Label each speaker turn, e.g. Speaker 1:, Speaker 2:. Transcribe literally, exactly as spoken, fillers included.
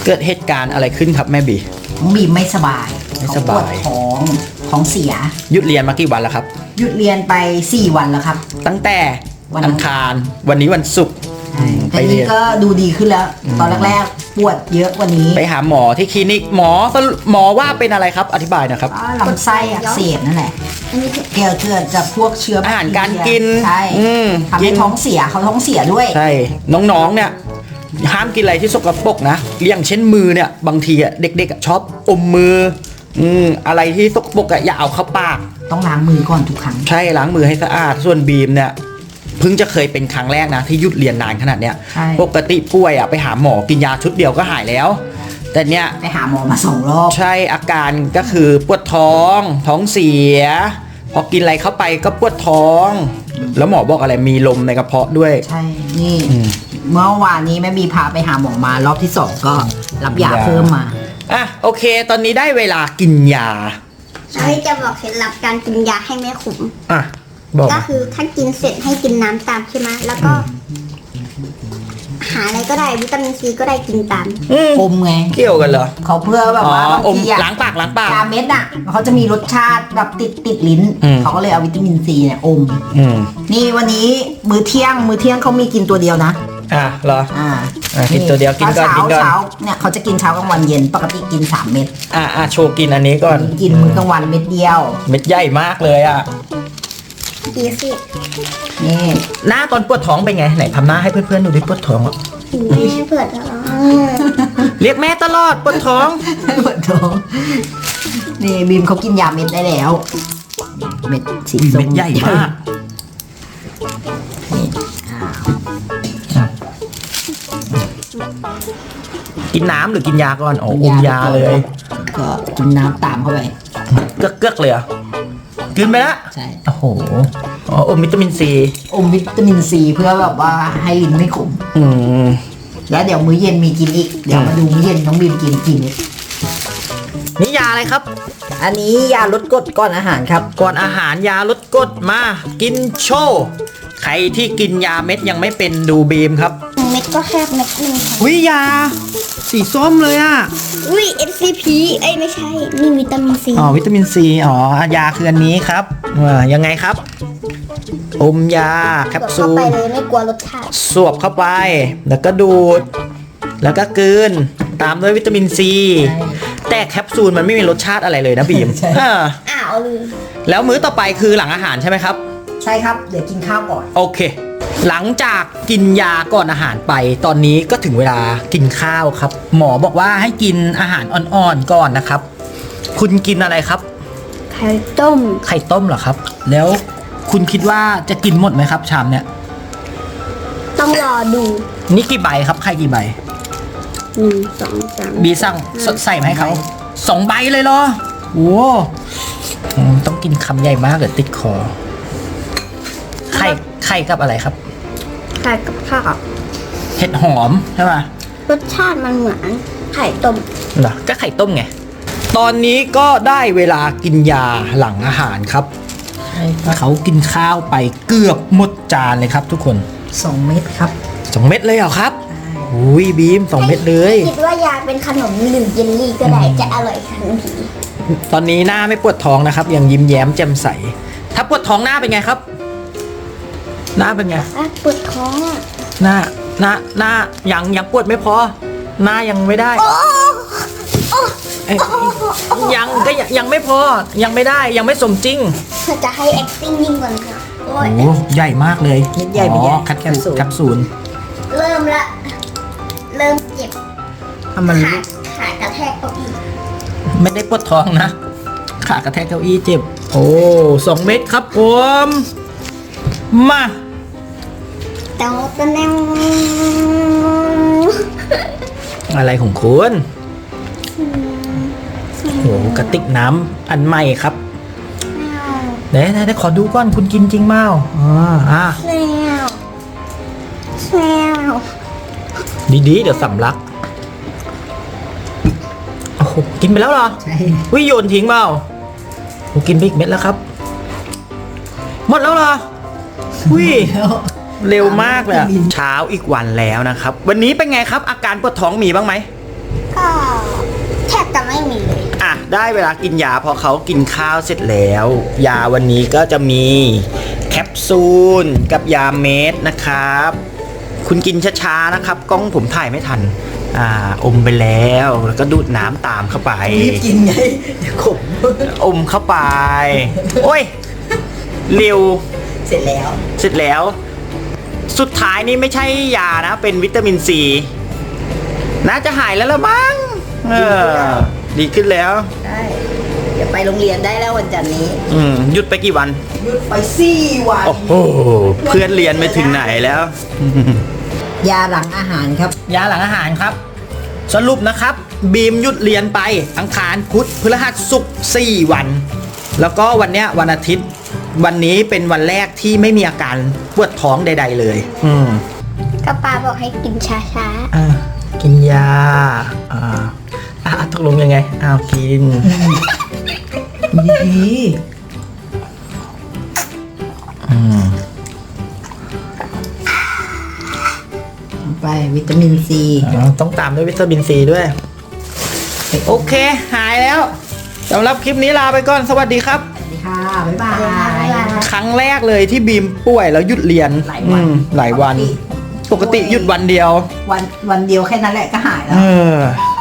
Speaker 1: เกิดเหตุการณ์อะไรขึ้นครับแม่บี
Speaker 2: น้องบีมไม่สบาย
Speaker 1: ไม่สบาย
Speaker 2: เขปวดท้องท้องเสีย
Speaker 1: หยุดเรียนมากี่วันแล้วครับ
Speaker 2: หยุดเรียนไปสี่วันแล้วครับ
Speaker 1: ตั้งแต่
Speaker 2: วัน
Speaker 1: อังคารวันนี้วันศุกร์
Speaker 2: ไปเรียนก็ดูดีขึ้นแล้ว ตอนแรกๆปวดเยอะกว่านี้
Speaker 1: ไปหาหมอที่คลินิกหมอหมอว่าเป็นอะไรครับอธิบายนะครับ
Speaker 2: ลำไส้อักเสบนั่นแหละเกี่ยวเกิดจากพวกเชื้อ
Speaker 1: อาหารการกิน
Speaker 2: ใช่ทำให้ท้องเสียเขาท้องเสียด้วย
Speaker 1: ใช่น้องๆเนี่ยห้ามกินอะไรที่สกปรกนะอย่างเช่นมือเนี่ยบางทีอ่ะเด็กๆชอบอมมืออืมอะไรที่สกปรกอ่ะอย่าเอาเข้าปาก
Speaker 2: ต้องล้างมือก่อนทุกครั้ง
Speaker 1: ใช่ล้างมือให้สะอาดส่วนบีมเนี่ยเพิ่งจะเคยเป็นครั้งแรกนะที่หยุดเรียนนานขนาดเนี้ยปกติป่วยอ่ะไปหาหมอกินยาชุดเดียวก็หายแล้วแต่เนี้ย
Speaker 2: ไปหาหมอมาสองรอบ
Speaker 1: ใช่อาการก็คือปวดท้องท้องเสียพอกินอะไรเข้าไปก็ปวดท้องแล้วหมอบอกอะไรมีลมในกระเพาะด้วย
Speaker 2: ใช่นี่เมื่อวานนี้แม่บีพาไปหาหมอมารอบที่สองก็รับยาเพิ่มมา
Speaker 1: อ่ะโอเคตอนนี้ได้เวลากินยา
Speaker 3: ใช่จะบอกเคล็ดลับการกินยาให้ไม่ขม
Speaker 1: อ่ะบอก
Speaker 3: ก็คือถ้ากินเสร็จให้กินน้ำตามใช่ไหมแล้วก็หาอะไรก็ได้วิตามินซีก็ได้กินตาม
Speaker 2: อมไง
Speaker 1: เกี่ยวกันเหรอ
Speaker 2: เขาเพื่อแบบว่า
Speaker 1: อมล้างปากล้างปาก
Speaker 2: ยาเม็ดอ่ะเขาจะมีรสชาติแบบติดติดลิ้นเขาก็เลยเอาวิตามินซีเนี่ยอมนี่วันนี้มื้อเที่ยงมื้อเที่ยงเขามีกินตัวเดียวนะ
Speaker 1: อ่ะเหรอ
Speaker 2: อ่า
Speaker 1: กินตัวเดียวกินก่อนกินก่อน
Speaker 2: เช้าเนี่ยเขาจะกินเช้ากลางวันเย็นปกติกินสามเม็ด
Speaker 1: อ่ะอ่ะโชว์กินอันนี้ก่อน
Speaker 2: กินมื้อกลางวันเม็ดเดียว
Speaker 1: เม็ดใหญ่มากเลยอ่ะ
Speaker 3: ดีสิ
Speaker 1: นี่หน้าตอนปวดท้องเป็นไงไหนทำหน้าให้เพื่อนๆดูดิปวดท้องอ่ะ
Speaker 3: แม่ปวดท้อง
Speaker 1: เรียกแม่ตลอดปวดท้อง
Speaker 2: ปวดท้องนี่บีมเขากินยาเม็ดได้แล้วเม็ดสีส้ม
Speaker 1: เม็ดใหญ่มากกินน้ำหรือกินยาก่อนอ๋ออมยาเลย
Speaker 2: ก็กินน้ำตามเข้าไป
Speaker 1: เกือกเกือกเลยอ่ะกินไปแล้ว
Speaker 2: ใช่
Speaker 1: โอ้โหอ๋ออมวิตามินซี
Speaker 2: อมวิตามินซีเพื่อแบบว่าให้ลิ้นไม่ขม
Speaker 1: อืม
Speaker 2: แล้วเดี๋ยวมื้อเย็นมีกินอีกเดี๋ยวมาดูมื้อเย็นน้องบีมกินกิน
Speaker 1: นี่ยาอะไรครับ
Speaker 2: อันนี้ยาลดกรดก่อนอาหารครับ
Speaker 1: ก่อนอาหารยาลดกรดมากินโชว์ใครที่กินยาเม็ดยังไม่เป็นดูบีมครับ
Speaker 3: เม็ดก็แค่เม็ดนึง
Speaker 1: อุ้ยยาสีส้มเลยอ่ะ
Speaker 3: อุ้ย เอส ซี พี เอ้ยไม่ใช่นี่วิตามินซี
Speaker 1: อ๋อวิตามินซีอ๋อยาคืออันนี้ครับอ่ายังไงครับอมยาแคปซูล
Speaker 3: เข้าไปเลยไม่กลัวรสชาติ
Speaker 1: สวบเข้าไปแล้วก็ดูดแล้วก็กลืนตามด้วยวิตามินซีแต่แคปซูลมันไม่มีรสชาติอะไรเลยนะบีม
Speaker 3: อ้าวลืม
Speaker 1: แล้วมื้อต่อไปคือหลังอาหารใช่ไหมครับ
Speaker 2: ใช่ครับเดี๋ยวกินข้าวก่อน
Speaker 1: โอเคหลังจากกินยาก่อนอาหารไปตอนนี้ก็ถึงเวลากินข้าวครับหมอบอกว่าให้กินอาหารอ่อนๆก่อนนะครับคุณกินอะไรครับ
Speaker 3: ไข่ต้ม
Speaker 1: ไข่ต้มเหรอครับแล้วคุณคิดว่าจะกินหมดไหมครับชามเนี้ย
Speaker 3: ต้องรอดู
Speaker 1: นี่กี่ใบครับไข่กี่ใบ
Speaker 3: หนึ่งสองสาม
Speaker 1: บีสั่งใส่มาให้เขาสองใบเลยเหรอโอ้ต้องกินคำใหญ่มากเดี๋ยวติดคอไข่ไข่กับอะไรครับ
Speaker 3: ไข่กับข้าว
Speaker 1: เห็ดหอมใช่ป่ะ
Speaker 3: รสชาติมันเหมือนไข่ต้ม
Speaker 1: เหรอก็ไข่ต้มไงตอนนี้ก็ได้เวลากินยาหลังอาหารครับเขากินข้าวไปเกือบหมดจานเลยครับทุกคน
Speaker 2: สองเม็ดครับ
Speaker 1: สองเม็ดเลยเหรอครับอุ้ยบีมสองเม็ดเลย
Speaker 3: คิดว่ายาเป็นขนมหรือเยลลี่ก็ได้จะอร่อยทันที
Speaker 1: ตอนนี้หน้าไม่ปวดท้องนะครับยังยิ้มแย้มแจ่มใสถ้าปวดท้องหน้าเป็นไงครับหน้าเป็นไง
Speaker 3: ปวดท้อง
Speaker 1: หน้าหน้าหน้ายังยังปวดไม่พอหน้ายังไม่ได้ยังก็ยังไม่พอยังไม่ได้ยังไม่สมจริง
Speaker 3: เธอจะให้ acting ยิ่งกว่านี้
Speaker 1: โอ้โหใหญ่มากเลย
Speaker 2: ใหญ่ไปใหญ่
Speaker 1: แคปซูลแคปซูล
Speaker 3: เริ่มละเริ่มเจ็บ
Speaker 1: ทำมัน
Speaker 3: ขาขากระแทกเก้าอี้
Speaker 1: ไม่ได้ปวดท้องนะขากระแทกเก้าอี้เจ็บโอ้สองเม็ดครับผมมา
Speaker 3: เต้าตะแนว
Speaker 1: อะไรของคุณโอ้กระติกน้ำอันใหม่ครับไหนไหนขอดูก่อนคุณกินจริงเมาอ๋ออ่ะ
Speaker 3: แซวแซว
Speaker 1: ดีๆเดี๋ยวสำลักโอ้โหกินไปแล้วเหรอ
Speaker 2: ใช่
Speaker 1: วิโยนทิ้งเปล่าโอ้กินไปอีกเม็ดแล้วครับหมดแล้วเหรอวิเร็วมากเลยเช้าอีกวันแล้วนะครับวันนี้เป็นไงครับอาการปวดท้องมีบ้างไหม
Speaker 3: ก็แทบจะไม่มีเลย
Speaker 1: อ่ะได้เวลากินยาพอเขากินข้าวเสร็จแล้ว ยาวันนี้ก็จะมีแคปซูลกับยาเม็ดนะครับ คุณกินช้าๆนะครับกล้องผมถ่ายไม่ทัน อ่าอมไปแล้วแล้วก็ดูดน้ำตามเข้าไป
Speaker 2: รีบกินไงเดี๋ยวขม
Speaker 1: อมเข้าไป โอ้ยเร็ว
Speaker 2: เสร็จแล้ว
Speaker 1: เสร็จแล้ว สุดท้ายนี่ไม่ใช่ยานะ เป็นวิตามินซี น่าจะหายแล้วละมั้งเออดีขึ้นแล้ว
Speaker 2: ใช่เดี๋ยวไปโรงเรียนได้แล้ววันจันทร์นี้
Speaker 1: อืมหยุดไปกี่วัน
Speaker 2: หยุดไปสี่วัน
Speaker 1: โอ้โห เพื่อนเรียนไปถึงไหนแล้ว
Speaker 2: ยาหลังอาหารครับ
Speaker 1: ยาหลังอาหารครับ สรุปนะครับ บีมหยุดเรียนไปอังคารพุธพฤหัสศุกร์สี่วัน แล้วก็วันเนี้ยวันอาทิตย์ วันนี้เป็นวันแรกที่ไม่มีอาการปวดท้องใด ๆ เลย อืม
Speaker 3: ก็ป้าบอกให้กินช้า
Speaker 1: อ่ากินยา อ่าอ่ะตกลงยังไง อ้าวกิน
Speaker 2: ดี
Speaker 1: อืม
Speaker 2: ๆไปวิตามินซี
Speaker 1: อ่าต้องตามด้วยวิตามินซีด้วย โอเค หายแล้วสำหรับคลิปนี้ลาไปก่อน สวัสดีครับ
Speaker 2: สวัสดีค่ะ บ๊ายบาย
Speaker 1: ครั้งแรกเลยที่บีมป่วยแล้วหยุดเรียน
Speaker 2: หลายวัน
Speaker 1: อืมหลายวัน ปกติหยุดวันเดียว
Speaker 2: วันวันเดียวแค่นั้นแหละก็หายแล้
Speaker 1: เอ
Speaker 2: ว
Speaker 1: อ